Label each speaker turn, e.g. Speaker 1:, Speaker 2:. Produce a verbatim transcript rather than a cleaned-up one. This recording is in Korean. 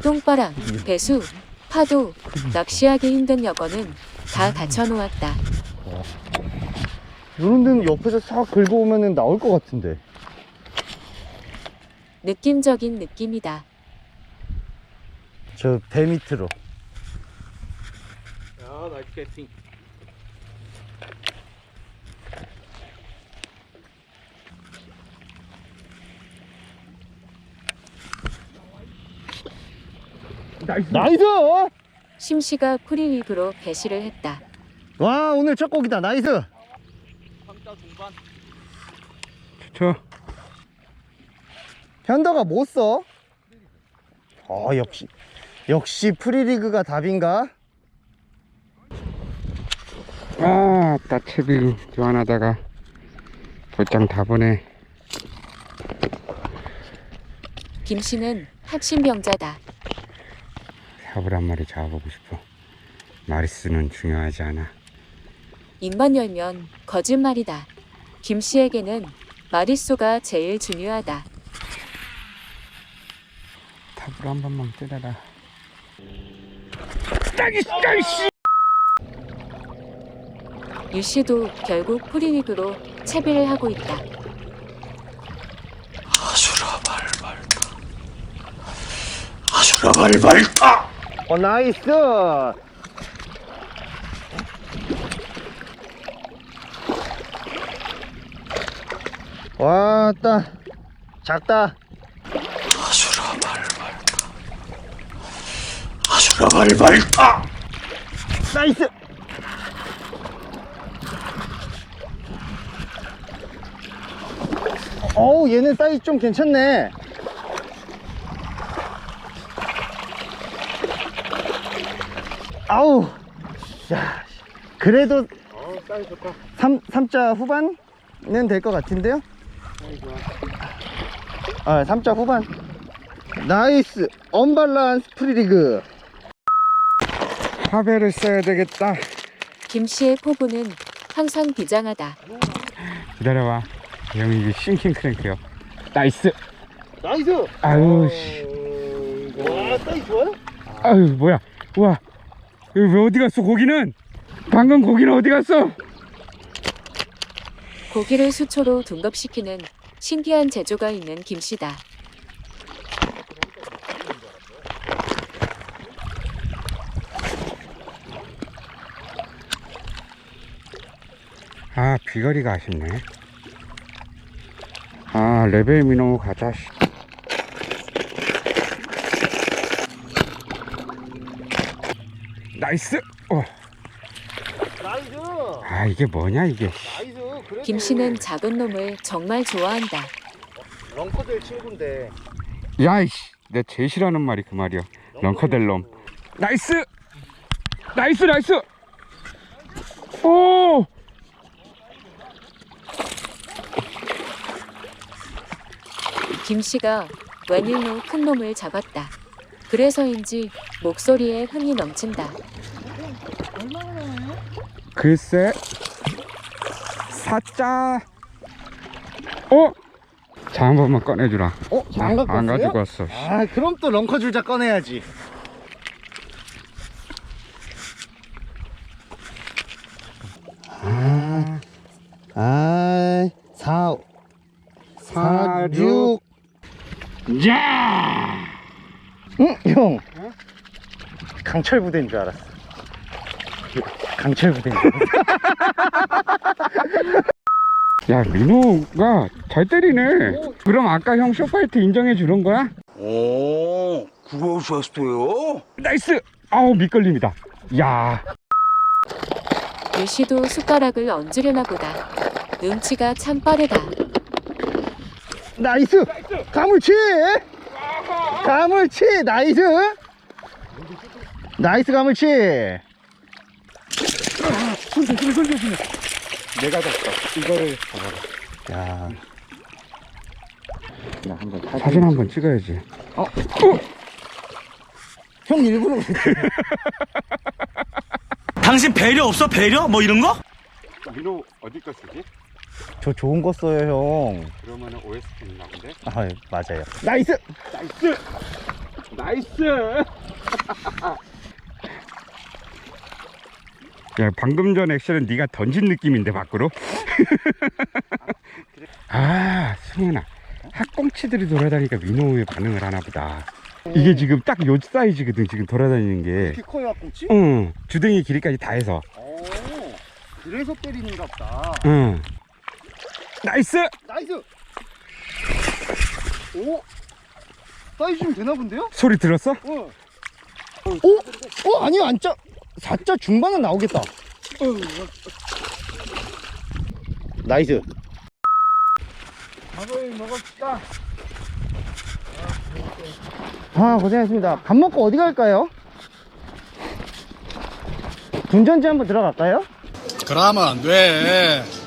Speaker 1: 똥바람, 배수, 파도, 낚시하기 힘든 여건은 다 갖춰놓았다.
Speaker 2: 이런 데는 옆에서 싹 긁어 오면은 나올 것 같은데.
Speaker 1: 느낌적인 느낌이다.
Speaker 2: 저 배 밑으로.
Speaker 3: Ja, 나이스 캐스팅. 나이스.
Speaker 2: 나이스!
Speaker 1: 심씨가 프리위브로 개시를 했다.
Speaker 2: 와, 오늘 첫 곡이다. 나이스!
Speaker 3: 삼자 중반.
Speaker 2: 저 현더가 못 써? 어, 역시 역시 프리리그가 답인가?
Speaker 4: 아, 따채비 교환하다가 볼장 다 보네.
Speaker 1: 김씨는 합신병자다.
Speaker 4: 삽을 한 마리 잡아보고 싶어. 마리스는 중요하지 않아.
Speaker 1: 입만 열면 거짓말이다. 김씨에게는 마리수가 제일 중요하다.
Speaker 4: 탑으로 한 번만 뜯어라. 따기씨, 따기씨!
Speaker 1: 유씨도 결국 프리위브로 채비를 하고 있다.
Speaker 3: 아수라 발발타. 아수라 발발타.
Speaker 2: 어, 나이스! 왔다. 작다.
Speaker 3: 아수라 발발타. 아수라 발발타.
Speaker 2: 나이스! 어우, 얘는 사이즈 좀 괜찮네. 아우, 야, 그래도
Speaker 4: 어, 사이즈 좋다.
Speaker 2: 삼, 삼자 후반은 될 것 같은데요?
Speaker 4: 사이즈 좋아.
Speaker 2: 아, 삼자 후반. 나이스! 언밸런스 프리리그.
Speaker 4: 화배를 써야 되겠다.
Speaker 1: 김씨의 포부는 항상 비장하다.
Speaker 4: 기다려봐. 형이 이게 싱킹 크랭크요. 나이스!
Speaker 2: 나이스!
Speaker 4: 아유, 씨.
Speaker 2: 와, 사이즈 좋아요?
Speaker 4: 아유, 뭐야. 우와. 여기 왜 어디 갔어, 고기는? 방금 고기는 어디 갔어?
Speaker 1: 고기를 수초로 둔갑시키는 신기한 재주가 있는 김씨다.
Speaker 4: 아, 비거리가 아쉽네. 아, 레벨 미노 가자. 씨. 나이스! 어.
Speaker 2: 나이스!
Speaker 4: 아, 이게 뭐냐, 이게.
Speaker 2: 나이스! 그래도
Speaker 1: 김씨는 작은 놈을 정말 좋아한다.
Speaker 2: 런커들 친구인데.
Speaker 4: 야이씨, 내 제일 싫어하는 말이 그 말이야. 런커델롬. 나이스! 나이스, 나이스! 오!
Speaker 1: 김씨가 웬일로 큰 놈을 잡았다. 그래서인지 목소리에 흥이 넘친다.
Speaker 4: 글쎄, 사자. 어? 자, 한 번만 꺼내주라.
Speaker 2: 어? 안 갖고
Speaker 4: 안
Speaker 2: 왔어요?
Speaker 4: 가지고 왔어.
Speaker 2: 아, 그럼 또 런커 줄자 꺼내야지. 아, 아, 사, 사, 육.
Speaker 4: 야!
Speaker 2: 응, 형. 강철 부대인 줄 알았어. 강철 부대인 줄 알았어.
Speaker 4: 야, 민호가 잘 때리네. 그럼 아까 형 쇼파이트 인정해 주는 거야?
Speaker 3: 오, 그거 좋았어요?
Speaker 4: 나이스! 아우, 밑걸림이다. 야,
Speaker 1: 유씨도 숟가락을 얹으려나 보다. 눈치가 참 빠르다.
Speaker 2: 나이스! 가물치! 가물치! 나이스! 나이스 가물치!
Speaker 4: 손좀 손좀 손좀 손. 내가 잡다. 이거를 잡아라.
Speaker 2: 야,
Speaker 4: 야, 한번 사진, 사진 한번 찍어야지.
Speaker 2: 어? 어? 형 일부러 그랬지.
Speaker 3: 당신 배려 없어? 배려? 뭐 이런 거?
Speaker 4: 민호 어디 거 쓰지?
Speaker 2: 저 좋은 거 써요, 형.
Speaker 4: 그러면은 오에스티 있나 본데?
Speaker 2: 아, 맞아요. 나이스!
Speaker 4: 나이스! 나이스. 야, 방금 전 액션은 네가 던진 느낌인데 밖으로. 아, 승훈아, 학꽁치들이 돌아다니니까 민호의 반응을 하나 보다. 이게 지금 딱 요 사이즈거든, 지금 돌아다니는 게.
Speaker 2: 이렇게 커요, 학꽁치?
Speaker 4: 응, 주댕이 길이까지 다 해서.
Speaker 2: 오, 그래서 때리는가 보다.
Speaker 4: 응. 나이스.
Speaker 2: 나이스! 오! 사이즈 좀 되나 본데요?
Speaker 4: 소리 들었어?
Speaker 2: 어. 오? 어? 아니요, 안 짜. 사 자 중반은 나오겠다. 나이스.
Speaker 4: 밥을 먹읍시다.
Speaker 2: 아, 고생했습니다. 밥 먹고 어디 갈까요? 분전지 한번 들어갈까요?
Speaker 5: 그러면 안 돼.